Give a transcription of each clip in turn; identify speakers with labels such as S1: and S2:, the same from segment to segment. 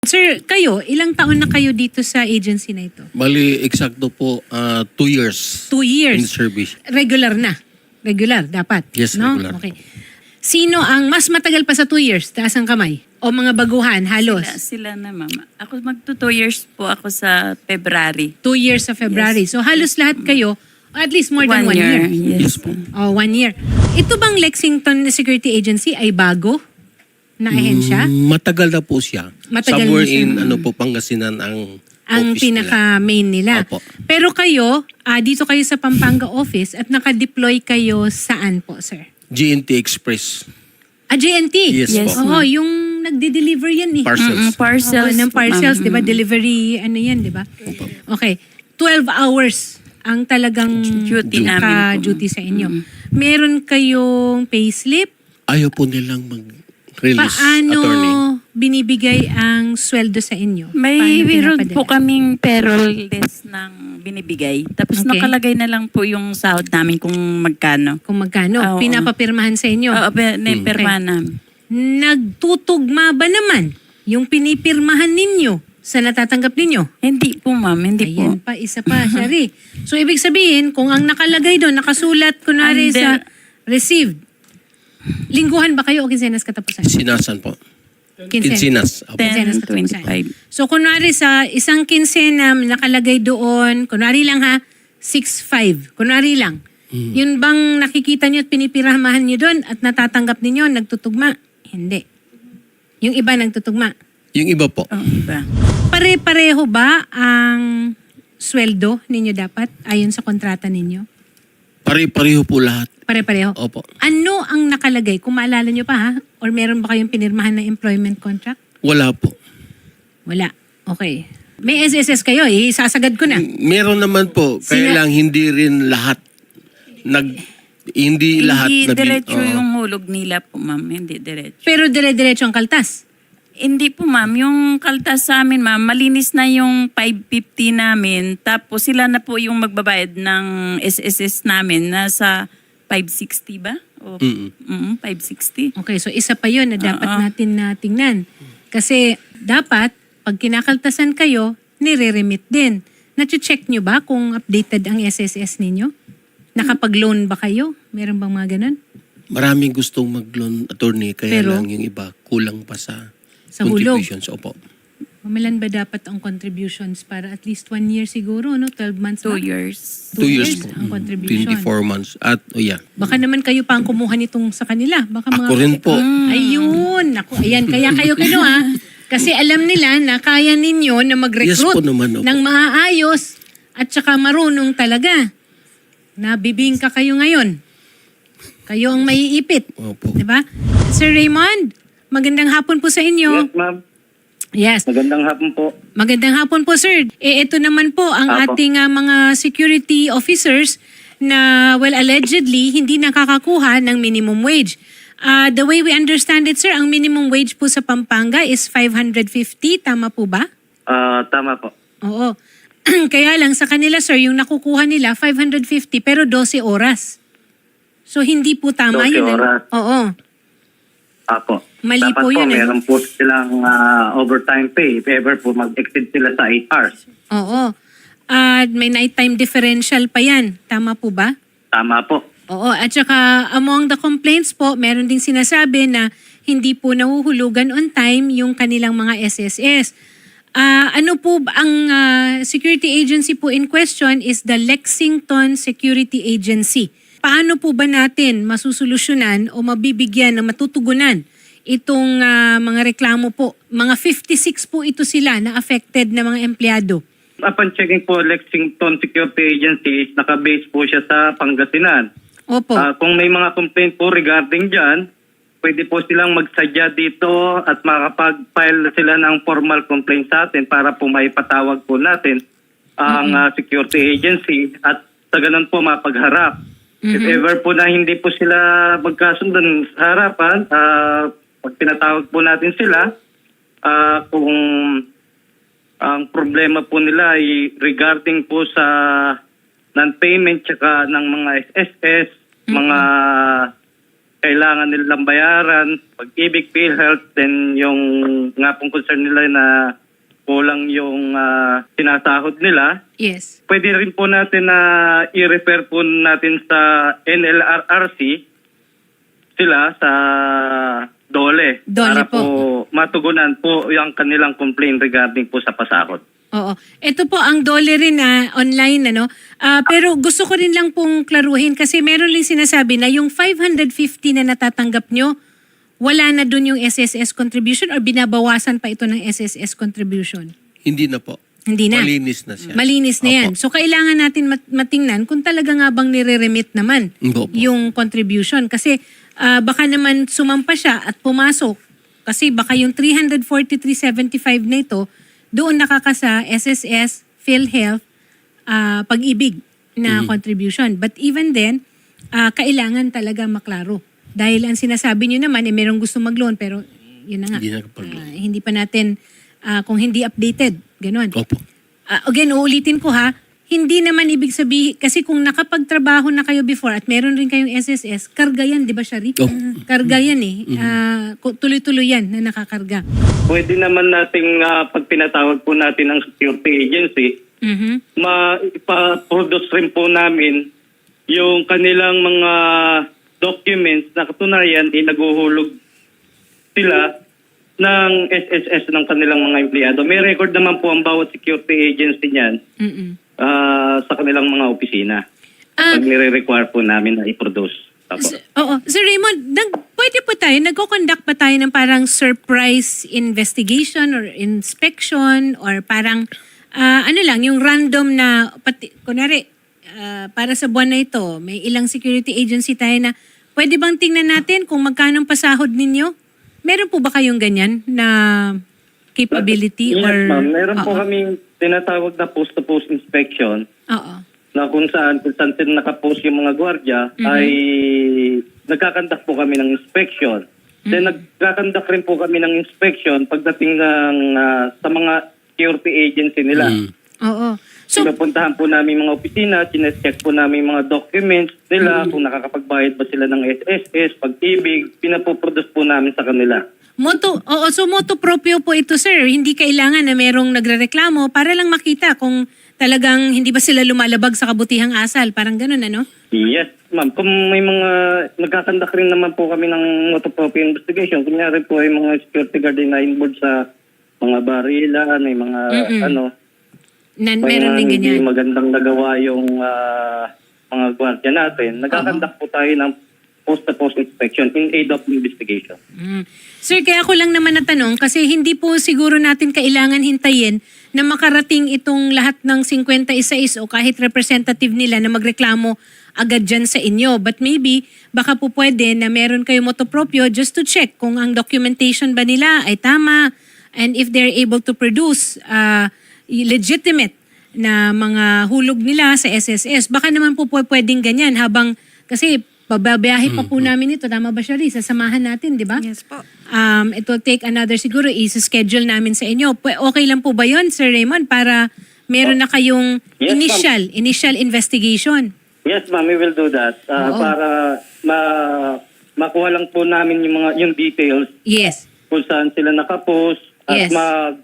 S1: Sir, kayo, ilang taon na kayo dito sa agency na ito?
S2: Bali, eksakto po, 2 years
S1: 2 years.
S2: in service.
S1: Regular na. Regular, dapat.
S2: Yes,
S1: no?
S2: regular.
S1: Okay. Sino ang mas matagal pa sa 2 years? Taas ang kamay. O mga baguhan, halos?
S3: Sila na, mama. Ako magto 2 years po ako sa February.
S1: 2 years sa February. So halos lahat kayo, at least more than 1 year.
S3: Yes, po.
S1: Oh, 1 year. Ito bang Lexington Security Agency ay bago na ahensya?
S2: Matagal na po siya.
S1: Matagal
S2: Somewhere
S1: na siya.
S2: in Pangasinan ang
S1: Ang
S2: office nila.
S1: pinaka-main nila.
S2: Opo.
S1: Pero kayo, dito kayo sa Pampanga office at naka-deploy kayo saan po, sir?
S2: GNT Express
S1: JNT?
S2: Yes,
S3: Yes,
S2: po.
S1: Oo, yung nagde-deliver yan eh.
S2: Parcels.
S3: Parcels.
S1: Oo, ng
S3: po,
S1: parcels,
S3: ma'am.
S1: di ba? Delivery, ano yan, di ba? Okay. 12 hours ang talagang
S3: Duty namin po.
S1: naka-duty sa inyo. Meron kayong payslip?
S2: Ayaw po nilang mag-release,
S1: Paano
S2: attorney.
S1: binibigay ang sweldo sa inyo?
S3: May
S1: Paano
S3: meron
S1: pinapadala?
S3: po kaming payroll list ng binibigay. Tapos
S1: Okay.
S3: nakalagay na lang po yung sahod namin kung magkano.
S1: Kung magkano?
S3: Oo.
S1: Pinapapirmahan sa inyo?
S3: Oo, perma namin.
S1: Nagtutugma ba naman yung pinipirmahan ninyo sa natatanggap ninyo?
S3: Hindi po, ma'am. Hindi
S1: Ayan
S3: po.
S1: pa, isa pa, Shari. So, ibig sabihin, kung ang nakalagay doon, nakasulat, kunwari sa received, lingguhan ba kayo o kinsenas katapusan?
S2: Sinasan po.
S1: Kinsenas.
S2: Kinsinas. Opo.
S3: 10:25.
S1: So, kunwari sa isang kinsena, nakalagay doon, kunwari lang ha, 6.5. Kunwari lang. Yun bang nakikita nyo at pinipiramahan nyo doon at natatanggap ninyo, nagtutugma? Hindi. Yung iba nagtutugma.
S2: Yung iba po.
S3: Oh, iba.
S1: Pare-pareho ba ang sweldo ninyo dapat ayon sa kontrata ninyo?
S2: Pare-pareho po lahat.
S1: Pare-pareho?
S2: Opo.
S1: Ano ang nakalagay? Kung maalala nyo pa ha? Or meron ba kayong pinirmahan na employment contract?
S2: Wala po.
S1: Wala. Okay. May SSS kayo, isasagad ko na.
S2: Meron naman po, kaya lang hindi rin lahat hindi lahat
S3: Hindi diretso
S2: Oo.
S3: yung hulog nila po, ma'am. Hindi diretso.
S1: Pero dire-diretso ang kaltas.
S3: Hindi po, ma'am. Yung kaltas sa amin, ma'am, malinis na yung 550 namin. Tapos sila na po yung magbabayad ng SSS namin. Nasa 560 ba? O, 560.
S1: Okay, so isa pa yun na dapat natin na tingnan. Kasi dapat, pag kinakaltasan kayo, nire-remit din. Nache-check nyo ba kung updated ang SSS ninyo? Nakapag-loan ba kayo? Meron bang mga ganun?
S2: Maraming gustong mag-loan, attorney, kaya
S1: Pero,
S2: lang yung iba kulang pa sa
S1: hulog.
S2: contributions. Opo.
S1: Mamilan ba dapat ang contributions para at least 1 year siguro, no? 12 months
S3: 2
S1: ba?
S3: years.
S1: 2
S2: 2
S1: years
S2: years po.
S1: ang contribution.
S2: 24 months. At, yeah.
S1: Baka naman kayo pa ang kumuha nitong sa kanila. Baka
S2: Ako rin po.
S1: Ayun. Ako, ayan, kaya kayo kinuha. Kasi alam nila na kaya ninyo na mag-recruit
S2: Yes po naman, opo.
S1: ng maaayos at saka marunong talaga. Nabibingka kayo ngayon. Kayo ang maiipit.
S2: Opo.
S1: Diba? Sir Raymond, magandang hapon po sa inyo.
S4: Yes, ma'am.
S1: Yes.
S4: Magandang hapon po.
S1: Magandang hapon po, sir. Ito naman po ang
S4: Apo.
S1: ating mga security officers na, well, allegedly, hindi nakakakuha ng minimum wage. The way we understand it, sir, ang minimum wage po sa Pampanga is 550. Tama po ba?
S4: Tama po.
S1: Oo. Kaya lang sa kanila, sir, yung nakukuha nila, 550 pero 12 oras. So, hindi po tama
S4: 12
S1: yun.
S4: oras.
S1: Oo.
S4: Apo.
S1: Mali
S4: Dapat
S1: po yun, eh.
S4: meron po silang overtime pay if ever po mag-exceed sila sa 8 hours.
S1: Oo. At may nighttime differential pa yan. Tama po ba?
S4: Tama po.
S1: Oo, at saka among the complaints po, meron ding sinasabi na hindi po nahuhulugan on time yung kanilang mga SSS. Ano po ang security agency po in question is the Lexington Security Agency. Paano po ba natin masusolusyonan o mabibigyan na matutugunan itong mga reklamo po? Mga 56 po ito sila na affected na mga empleyado.
S4: Upon checking po, Lexington Security Agency, nakabase po siya sa Pangasinan.
S1: Opo.
S4: Kung may mga complaint po regarding dyan, pwede po silang magsadya dito at makapag-file sila ng formal complaint sa atin para po maipatawag po natin ang security agency at sa ganun po mapagharap. If ever po na hindi po sila magkasundan sa harapan, pag pinatawag po natin sila, kung ang problema po nila ay regarding po sa non-payment tsaka ng mga SSS, mga kailangan nilang bayaran, pag-ibig, PhilHealth, then yung nga pong concern nila na kulang yung sinasahod nila.
S1: Yes.
S4: Pwede rin po natin na i-refer po natin sa NLRRC sila sa DOLE.
S1: DOLE
S4: para
S1: po.
S4: matugunan po yung kanilang complaint regarding po sa pasahod.
S1: Oo. Ito po ang DOLE rin online pero gusto ko rin lang pong klaruhin kasi meron rin sinasabi na yung 550 na natatanggap nyo, wala na dun yung SSS contribution or binabawasan pa ito ng SSS contribution?
S2: Hindi na po.
S1: Hindi na.
S2: Malinis na siya.
S1: Malinis na yan.
S2: Opo.
S1: So kailangan natin matingnan kung talaga nga bang nire-remit naman
S2: Opo.
S1: yung contribution. Kasi baka naman sumampa siya at pumasok. Kasi baka yung 343.75 na ito, doon nakakasa SSS, PhilHealth, Pag-ibig na contribution. But even then, kailangan talaga maklaro. Dahil ang sinasabi nyo naman, merong gusto mag-loan pero yun na nga.
S2: Hindi nakapag-loan.
S1: Hindi pa natin, kung hindi updated, ganun.
S2: Opo.
S1: Again, uulitin ko hindi naman ibig sabihin, kasi kung nakapagtrabaho na kayo before at meron rin kayong SSS, karga yan, di ba, Shari?
S2: Oh.
S1: Karga yan eh. Tuloy-tuloy yan na nakakarga.
S4: Pwede naman nating pag pinatawag po natin ng security agency, ma-produce rin po namin yung kanilang mga documents na katunayan naguhulog sila ng SSS ng kanilang mga empleyado. May record naman po ang bawat security agency niyan sa kanilang mga opisina. Pag nire-require po namin na i-produce.
S1: Oo. Sir Raymond, pwede po tayo, nagko-conduct pa tayo ng parang surprise investigation or inspection or parang yung random na, kunwari, para sa buwan na ito, may ilang security agency tayo na pwede bang tingnan natin kung magkano ang pasahod ninyo? Meron po ba kayong ganyan na capability?
S4: Yes,
S1: or
S4: ma'am. Meron po kaming tinatawag na post-to-post inspection
S1: Oo.
S4: na kung saan sila nakapost yung mga gwardiya ay nagkakandak po kami ng inspection. Then nagkakandak rin po kami ng inspection pagdating ng sa mga security agency nila.
S1: Oo. So,
S4: Pinupuntahan po namin mga opisina, chinecheck po namin mga documents nila, kung nakakapagbayad ba sila ng SSS, Pag-ibig, pinapoproduce po namin sa kanila.
S1: so moto proprio po ito, sir. Hindi kailangan na merong nagrereklamo para lang makita kung talagang hindi ba sila lumalabag sa kabutihang asal. Parang ganun, ano?
S4: Yes, ma'am. Kung may mga nagkakandak rin naman po kami ng autopropy investigation, kunyari po ay mga security guard na involved sa mga barilan, may mga
S1: Meron din
S4: hindi
S1: ganyan.
S4: magandang nagawa yung mga gwardiya natin. Nagkakandak po tayo ng post-to-post inspection in aid of investigation.
S1: Sir, kaya ko lang naman natanong kasi hindi po siguro natin kailangan hintayin na makarating itong lahat ng 56 o kahit representative nila na magreklamo agad dyan sa inyo. But maybe, baka po pwede na meron kayo motopropyo just to check kung ang documentation ba nila ay tama and if they're able to produce legitimate na mga hulog nila sa SSS. Baka naman po pwedeng ganyan habang, kasi bababiyahe pa po namin ito. Tama ba, Shari? Sasamahan natin, di ba?
S5: Yes po.
S1: It will take another, siguro, is-schedule namin sa inyo. Okay lang po ba yun, Sir Raymond, para meron na kayong
S4: Yes,
S1: initial investigation?
S4: Yes, ma'am, we will do that. Para makuha lang po namin yung details
S1: Yes.
S4: kung saan sila nakapost at
S1: Yes.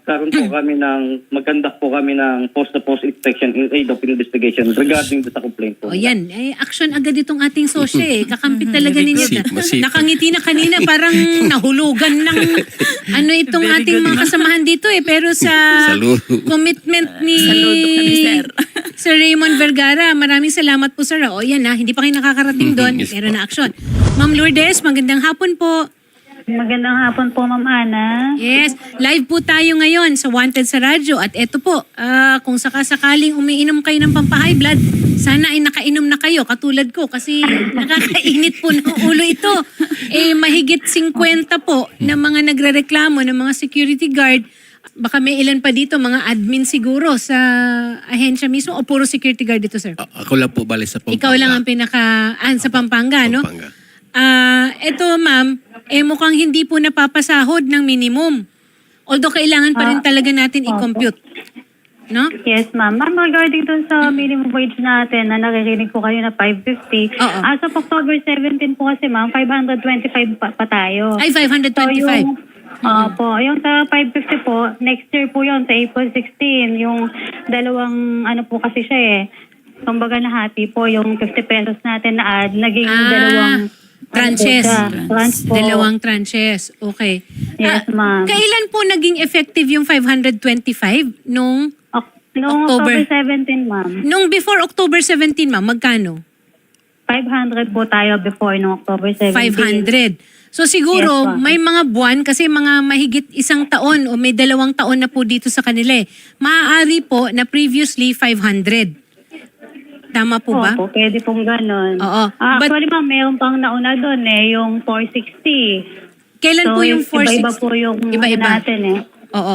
S4: magkandak po kami ng post-to-post inspection in aid of investigation regarding sa complaint po.
S1: O yan, action agad itong ating sosyo Kakampi talaga ninyo.
S2: Masipag.
S1: Nakangiti na kanina, parang nahulugan ng itong ating mga kasamahan dito Pero sa
S2: Saludo.
S1: commitment ni
S3: Saludo kami, sir.
S1: Sir Raymond Vergara, maraming salamat po, sir. O yan hindi pa kayo nakakarating doon.
S2: Yes
S1: Meron
S2: po.
S1: na action. Ma'am Lourdes, magandang hapon po.
S6: Magandang hapon po, Ma'am Ana.
S1: Yes, live po tayo ngayon sa Wanted sa Radyo. At eto po, kung sakasakaling umiinom kayo ng pampahay blood, sana ay nakainom na kayo, katulad ko, kasi nakakainit po ng ulo ito. Mahigit 50 po na mga nagrereklamo ng mga security guard. Baka may ilan pa dito, mga admin siguro sa ahensya mismo o puro security guard dito, sir?
S2: Ako lang po bali sa Pampanga.
S1: Ikaw lang ang sa Pampanga, no?
S2: Pampanga.
S1: Eto ma'am, mukhang hindi po napapasahod ng minimum. Although kailangan pa rin talaga natin i-compute. no?
S6: Yes, ma'am. Ma'am, regarding dun sa minimum wage natin na naririnig ko kayo na 550,
S1: Oo.
S6: as of October 17 po kasi, ma'am, 525 pa tayo.
S1: Ay, 525.
S6: Yung sa 550 po, next year po yun, sa April 16, yung dalawang, po kasi siya kumbaga nahati po, yung 50 pesos natin na add, naging dalawang
S1: tranches.
S6: Tranche po.
S1: Dalawang tranches. Okay.
S6: Yes, ma'am.
S1: Kailan po naging effective yung 525? Nung
S6: Noong
S1: October.
S6: October 17, ma'am.
S1: Nung before October 17, ma'am, magkano?
S6: 500 po tayo before noong October 17.
S1: 500. So siguro
S6: Yes, ma'am.
S1: may mga buwan kasi mga mahigit isang taon o may 2 taon na po dito sa kanila. Maaari po na previously 500. Tama po ba?
S6: Opo, pwede pong ganun.
S1: Oo. But-
S6: Actually, ma'am, mayroon pang nauna doon yung 460.
S1: Kailan po yung 460?
S6: Iba-iba po yung
S1: Iba-iba.
S6: natin
S1: Oo.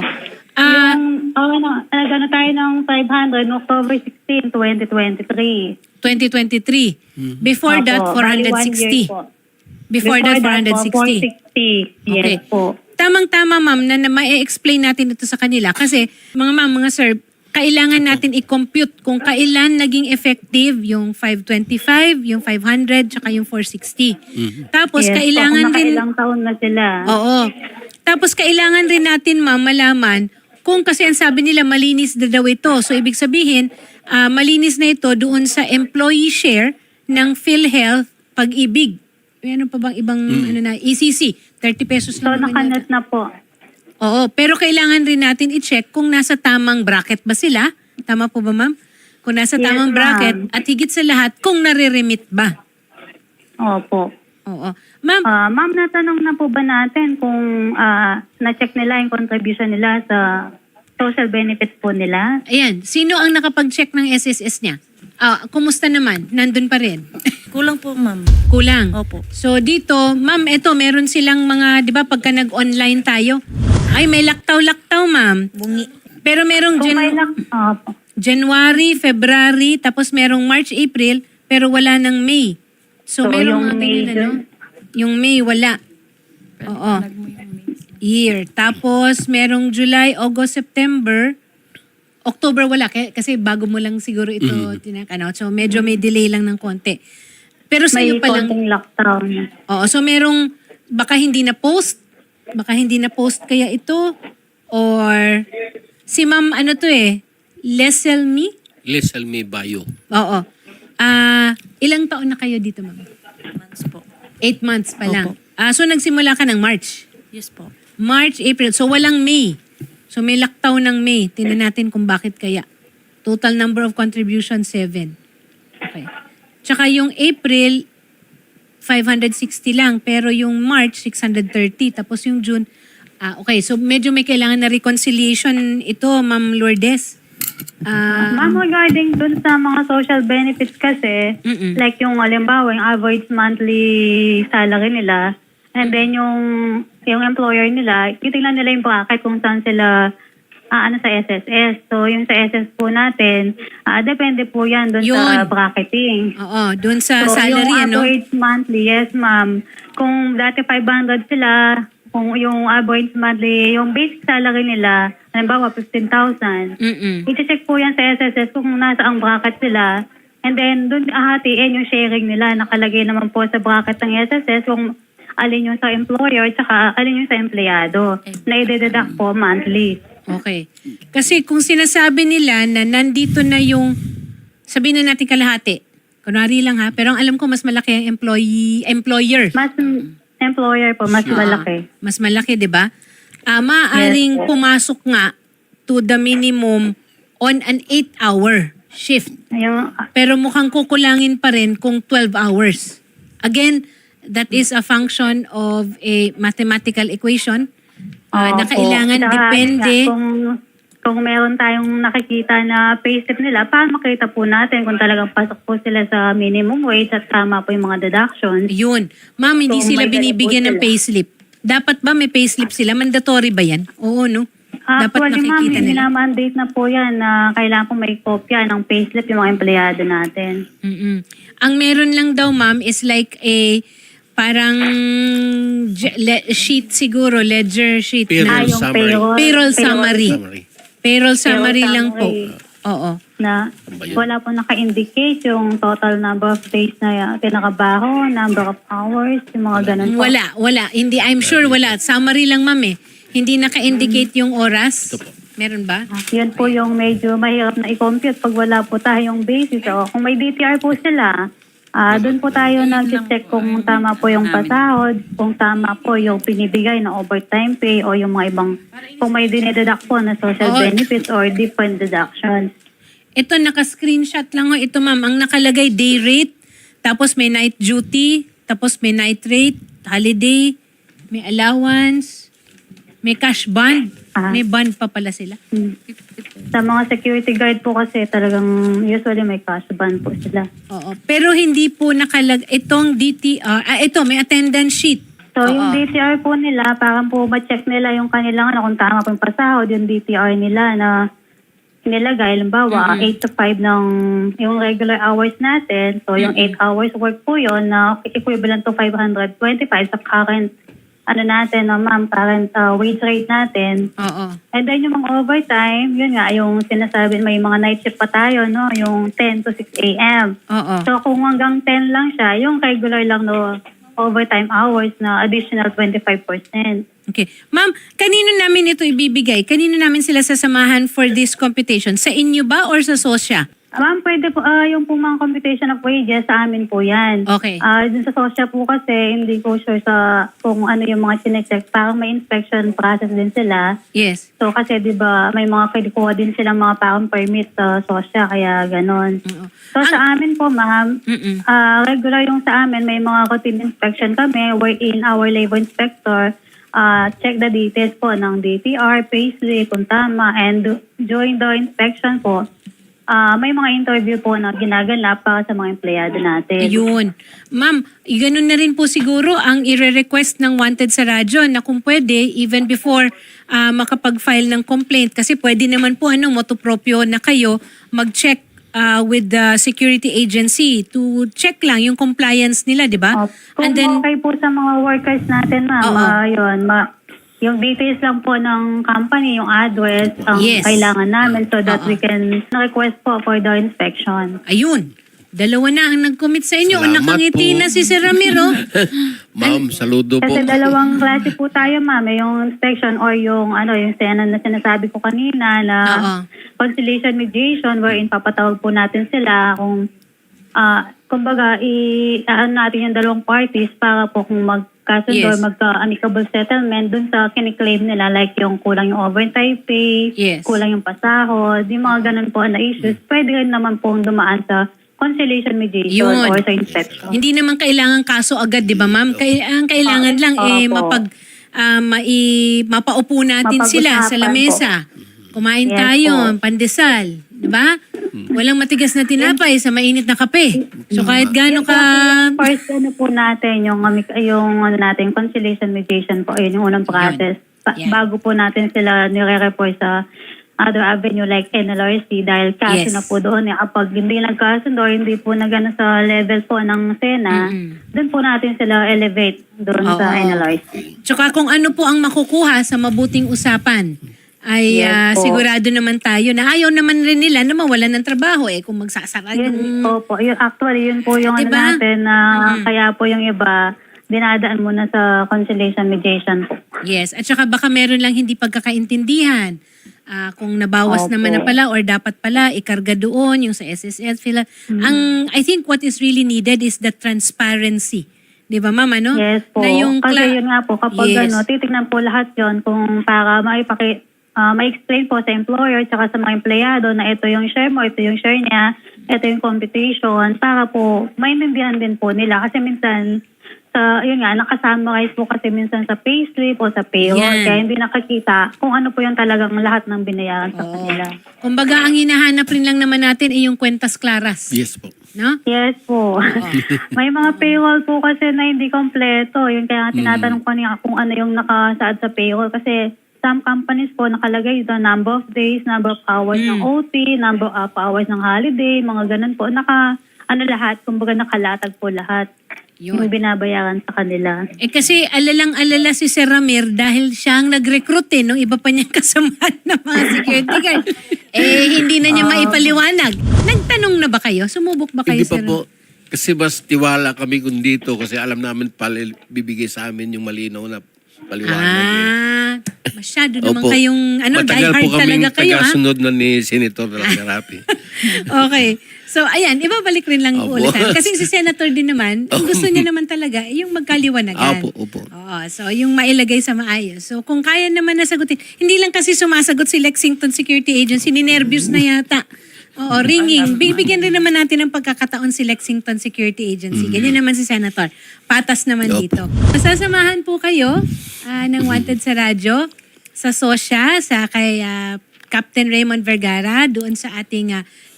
S6: Nagano tayo ng 500 noong October 16, 2023.
S1: 2023. Before
S6: Opo,
S1: that,
S6: bali 1
S1: 460.
S6: year po.
S1: Before that,
S6: po,
S1: 460.
S6: 460. Yes
S1: Okay.
S6: po.
S1: Tamang-tama, ma'am, na ma-explain natin ito sa kanila. Kasi, mga ma'am, mga sir, kailangan natin i-compute kung kailan naging effective yung 525, yung 500, tsaka yung 460. Tapos,
S6: Yes po,
S1: kailangan
S6: kung
S1: rin...
S6: nakailang taon na sila.
S1: Oo. Tapos, kailangan rin natin, ma'am, malaman kung kasi ang sabi nila, malinis na daw ito. So, ibig sabihin, malinis na ito doon sa employee share ng PhilHealth Pag-ibig. Ano pa bang ibang ECC? 30 pesos
S6: So,
S1: lang naman
S6: nakanet
S1: yata.
S6: na po.
S1: Oo, pero kailangan rin natin i-check kung nasa tamang bracket ba sila. Tama po ba, ma'am? Kung nasa
S6: Yes,
S1: tamang
S6: ma'am.
S1: bracket at higit sa lahat, kung nare-remit ba.
S6: Opo.
S1: Oo. Ma'am,
S6: Ma'am, natanong na po ba natin kung na-check nila yung contribution nila sa social benefits po nila?
S1: ayan, sino ang nakapag-check ng SSS niya? Kumusta naman? Nandun pa rin?
S5: Kulang po, ma'am.
S1: Kulang.
S5: Opo.
S1: So dito, ma'am, eto, meron silang mga, di ba, pagka nag-online tayo, ay, may laktaw-laktaw, ma'am.
S5: Bungi.
S1: Pero merong
S6: Kung may opo.
S1: January, February, tapos merong March, April, pero wala ng May. So,
S6: So,
S1: merong
S6: yung
S1: mga
S6: May
S1: ganyan, ano? Yung May, wala. Oo. Year. Tapos, merong July, August, September, October wala. Kasi bago mo lang siguro ito tinakano. So, medyo may delay lang ng konti. Pero sa
S6: May
S1: iyo pa lang.
S6: konting lockdown.
S1: Oo. So, merong, baka hindi na post. Baka hindi na post kaya ito. Or, si ma'am, ano to Leselmi?
S2: Leselmi Bayo.
S1: Oo. Ilang taon na kayo dito, ma'am?
S5: Months po.
S1: 8 months pa lang.
S5: Opo.
S1: So, nagsimula ka ng March.
S5: Yes po.
S1: March, April. So, walang May. So, may lockdown ng May. Tingnan natin kung bakit kaya. Total number of contribution, 7. Okay. Tsaka yung April, 560 lang. Pero yung March, 630. Tapos yung June, okay. So, medyo may kailangan na reconciliation ito, Ma'am Lourdes.
S6: Ma'am, regarding dun sa mga social benefits kasi, like yung halimbawa, yung average monthly salary nila, and then yung employer nila, titignan nila yung bracket kung saan sila sa SSS. So, yung sa SS po natin, depende po yan dun sa
S1: Yun.
S6: bracketing.
S1: Oo, doon sa
S6: So,
S1: salary,
S6: yung
S1: ano?
S6: average monthly, yes ma'am. Kung dati 500 sila, kung yung average monthly, yung basic salary nila, halimbawa 15,000, i-check po yan sa SSS kung nasa ang bracket sila. And then, doon ahatiin yung sharing nila. Nakalagay naman po sa bracket ng SSS kung alin yung sa employer tsaka alin yung sa empleyado na i-deduct po monthly.
S1: Okay. Kasi kung sinasabi nila na nandito na yung, sabihin na natin kalahati, kunwari lang ha, pero ang alam ko mas malaki ang employer.
S6: Mas employer po, mas malaki.
S1: Mas malaki, di ba? Maaaring
S6: Yes,
S1: pumasok nga to the minimum on an 8-hour shift.
S6: Yung,
S1: Pero mukhang kukulangin pa rin kung 12 hours. Again, that is a function of a mathematical equation na
S6: opo.
S1: kailangan
S6: Tsaka,
S1: depende.
S6: Kung meron tayong nakikita na payslip nila, para makita po natin kung talagang pasok po sila sa minimum wage at tama po yung mga deductions.
S1: Yun. Ma'am, hindi
S6: So,
S1: sila
S6: may
S1: binibigyan ng
S6: dala po
S1: payslip. Dapat ba may payslip sila? Mandatory ba yan? Oo, no? Dapat
S6: Actually, ma'am,
S1: nakikita nila.
S6: minamandate na po yan na kailangan po may kopya ng payslip yung mga empleyado natin.
S1: Ang meron lang daw, ma'am, is like a parang sheet siguro, ledger sheet
S2: Payroll
S1: na
S6: yung
S2: summary.
S1: payroll summary. Payroll summary lang po.
S6: summary.
S1: Oo.
S6: Na wala po naka-indicate yung total number of days na pinakabaho, number of hours, yung mga ganun po.
S1: Wala. Hindi, I'm sure wala. Summary lang, ma'am eh. Hindi naka-indicate yung oras.
S2: Ito po.
S1: Meron ba?
S6: Yun po yung medyo mahirap na i-compute pag wala po tayong basis. O kung may DTR po sila, doon po tayo nag-check kung tama po yung pasahod, kung tama po yung pinibigay na overtime pay o yung mga ibang, kung may dinededuct po na social
S1: Oo.
S6: benefits or different deductions.
S1: Ito, naka-screenshot lang ho. Ito, ma'am, ang nakalagay day rate, tapos may night duty, tapos may night rate, holiday, may allowance, may cash bond. May bond pa pala sila.
S6: Sa mga security guard po kasi talagang usually may cash ban po sila.
S1: Oo. Pero hindi po itong DTR, ito, may attendance sheet.
S6: So yung DTR po nila, parang po ma-check nila yung kanilang kung tama po yung pasahod, yung DTR nila na nilagay. Halimbawa, 8 to 5 ng yung regular hours natin. So yung 8 hours work po yun na equivalent to 525 sa current natin, ma'am, current wage rate natin.
S1: Oo.
S6: And then yung mga overtime, yun nga, yung sinasabi, may mga night shift pa tayo, no? Yung 10 to 6 a.m.
S1: Oo.
S6: So kung hanggang 10 lang siya, yung regular lang no overtime hours na additional 25%.
S1: Okay. Ma'am, kanino namin ito ibibigay? Kanino namin sila sasamahan for this computation? Sa inyo ba or sa SOSYA?
S6: Ma'am, pwede po, yung po mga computation of wages, sa amin po yan.
S1: Okay.
S6: Dun sa SOSYA po kasi, hindi ko sure sa kung ano yung mga chinecheck. Parang may inspection process din sila.
S1: Yes.
S6: So kasi di ba may mga kinukuha din silang mga parang permit sa SOSYA, kaya ganon.
S1: Oo.
S6: So sa amin po, ma'am,
S1: Mm-mm.
S6: regular yung sa amin, may mga routine inspection kami, wherein our labor inspector check the details po ng DTR, payslip, kung tama, and during the inspection po, may mga interview po na ginaganap para sa mga empleyado natin.
S1: Ayun. Ma'am, ganun na rin po siguro ang ire-request ng Wanted sa radyo na kung pwede, even before makapag-file ng complaint, kasi pwede naman po motopropyo na kayo mag-check with the security agency to check lang yung compliance nila, di ba?
S6: Kung okay po sa mga workers natin, ma'am, yung details lang po ng company, yung address, ang
S1: Yes.
S6: kailangan namin so that we can request po for the inspection.
S1: Ayun. Dalawa na ang nag-commit sa inyo. O
S2: Salamat
S1: nakangiti
S2: po.
S1: na si Sir Ramiro.
S2: Ma'am, saludo po.
S6: Kasi dalawang klase po tayo, ma'am. Yung inspection or yung yung sena na sinasabi ko kanina na conciliation mediation wherein papatawag po natin sila kung kumbaga natin yung dalawang parties para po kung magkasundo or
S1: Yes.
S6: magka-amicable settlement dun sa kiniklaim nila like yung kulang yung overtime pay,
S1: Yes.
S6: kulang yung pasahod, yung mga ganun po na issues, pwede rin naman pong dumaan sa conciliation mediation
S1: Yun.
S6: or sa inspection.
S1: Hindi naman kailangan kaso agad, di ba ma'am? Ang kailangan lang
S6: Opo.
S1: mapaupo natin sila sa
S6: Mapag-usapan
S1: lamesa. Kumain
S6: Yes
S1: tayo,
S6: po.
S1: pandesal. Di ba? Walang matigas na tinapay sa mainit na kape. So kahit gaano ka...
S6: First po natin, yung natin, conciliation mediation po, yun yung unang process.
S1: Yan.
S6: Bago po natin sila nire-report sa other avenue like NLRC dahil kaso
S1: Yes.
S6: na po doon. Kapag hindi nagkasundo, hindi po nagano sa level po ng SENA, doon po natin sila elevate doon sa
S1: Oo.
S6: NLRC.
S1: Tsaka kung ano po ang makukuha sa mabuting usapan, ay
S6: Yes po.
S1: sigurado naman tayo na ayaw naman rin nila na mawalan ng trabaho kung magsasara
S6: Yun
S1: yung...
S6: po. Yun po yung
S1: Diba?
S6: natin na kaya po yung iba dinadaan muna sa conciliation mediation po.
S1: Yes, at saka baka meron lang hindi pagkakaintindihan. Kung nabawas
S6: Opo.
S1: naman na pala or dapat pala ikarga doon yung sa SSS. I think what is really needed is the transparency. Di ba, ma'am? Ano?
S6: Yes po.
S1: Na yung
S6: Kasi yun nga po, kapag
S1: Yes.
S6: titignan po lahat yon kung para ma-explain po sa employer at sa mga empleyado na ito yung share mo, ito yung share niya, ito yung computation, para po maintindihan din po nila. Kasi minsan, nakasummarize po kasi minsan sa payslip o sa payroll,
S1: Yan.
S6: kaya hindi nakakita kung ano po yung talagang lahat ng binayaran sa kanila.
S1: Kumbaga, ang hinahanap rin lang naman natin ay yung kwentas klaras.
S2: Yes po.
S1: No?
S6: Yes po. May mga payroll po kasi na hindi kompleto. Yun kaya nga tinatanong ko niya kung ano yung nakasaad sa payroll. Kasi some companies po nakalagay the number of days, number of hours ng OT, number of hours ng holiday, mga ganun po. lahat, kumbaga nakalatag po lahat.
S1: Yun.
S6: Yung binabayaran sa kanila.
S1: Kasi alalang-alala si Sir Ramir dahil siya ang nag-recruit nung iba pa niyang kasamahan ng mga security guard. Hindi na niya maipaliwanag. Nagtanong na ba kayo? Sumubok ba kayo,
S2: Hindi pa
S1: Sir?
S2: po. Kasi mas tiwala kami kung dito kasi alam namin bibigay sa amin yung malinaw na paliwanag.
S1: Masyado naman
S2: Opo.
S1: kayong,
S2: Matagal
S1: diehard
S2: po kaming
S1: talaga kayo, ha?
S2: tagasunod na ni Senator Rapi.
S1: Okay. So, ayan, ibabalik rin lang
S2: Opo.
S1: ulit. Kasi si Senator din naman, ang gusto niya naman talaga, yung magkaliwanagan.
S2: Opo.
S1: Oo, so yung mailagay sa maayos. So, kung kaya naman nasagutin, hindi lang kasi sumasagot si Lexington Security Agency, ninervyos na yata. Oo, ringing. Bibigyan rin naman natin ng pagkakataon si Lexington Security Agency. Ganyan naman si Senator. Patas naman
S2: Opo.
S1: dito. Masasamahan po kayo ng Wanted sa Radyo, sa SOSYA, sa kay Captain Raymond Vergara, doon sa ating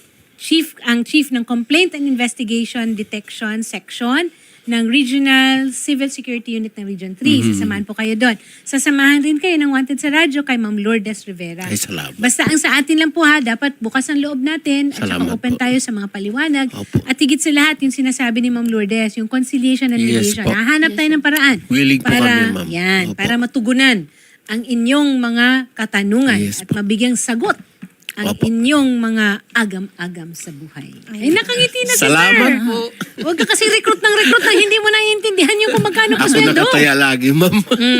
S1: chief ng Complaint and Investigation Detection Section ng Regional Civil Security Unit ng Region 3. Sasamahan po kayo doon. Sasamahan rin kayo ng Wanted sa Radyo kay Ma'am Lourdes Rivera.
S2: Ay, salamat.
S1: Basta ang sa atin lang po dapat bukas ang loob natin at saka
S2: Salamat
S1: open
S2: po.
S1: tayo sa mga paliwanag.
S2: Opo.
S1: At higit sa lahat, yung sinasabi ni Ma'am Lourdes, yung conciliation and
S2: Yes
S1: mediation.
S2: po.
S1: Hahanap tayo ng paraan.
S2: Willing po
S1: para,
S2: kami, ma'am.
S1: Yan,
S2: Opo.
S1: para matugunan ang inyong mga katanungan
S2: Yes
S1: at
S2: po.
S1: mabigyang sagot ang
S2: Opo.
S1: inyong mga agam-agam sa buhay. Ay, nakangiti na si
S2: Salamat
S1: Sir.
S2: po.
S1: Huwag ka kasi recruit ng hindi mo naiintindihan yung kung magkano pa
S2: Ako
S1: sweldo.
S2: nakataya lagi, ma'am.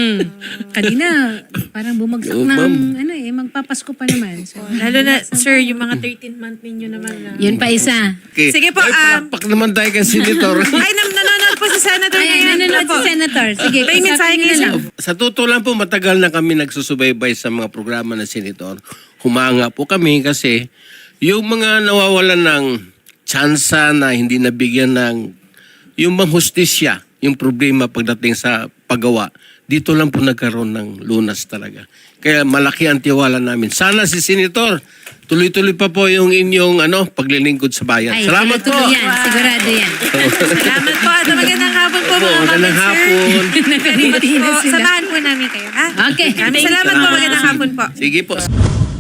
S1: Kanina, parang bumagsak
S2: Oo,
S1: ng,
S2: ma'am.
S1: magpapasko pa naman. So,
S5: Lalo na, sir, yung mga 13-month ninyo naman na...
S1: yun pa isa.
S2: Okay.
S5: Sige po,
S2: Ay, palakpak naman tayo kay Senator.
S5: Ay, nanonood po si Senator
S1: Ay,
S5: ngayon.
S1: nanonood
S5: Opo.
S1: si Senator. Sige,
S5: May mensahe
S1: kausapin niyo
S5: kayo,
S1: na lang.
S2: Sa totoo lang po, matagal na kami nagsusubaybay sa mga programa ng Senator. Humanga po kami kasi yung mga nawawalan ng tsansa na hindi nabigyan ng yung mga hustisya, yung problema pagdating sa paggawa, dito lang po nagkaroon ng lunas talaga. Kaya malaki ang tiwala namin. Sana si Senator, tuloy-tuloy pa po yung inyong paglilingkod sa bayan.
S1: Ay,
S2: Salamat po!
S1: tuloy-tuloy yan. Sigurado yan.
S5: Salamat po. At magandang hapon po, mga
S2: Magandang
S5: kapatid,
S2: hapon.
S1: Nakangiti na
S5: po.
S1: sila.
S5: Samahan po namin kayo, ha?
S1: Okay.
S5: Salamat po. Magandang hapon po.
S2: Sige po.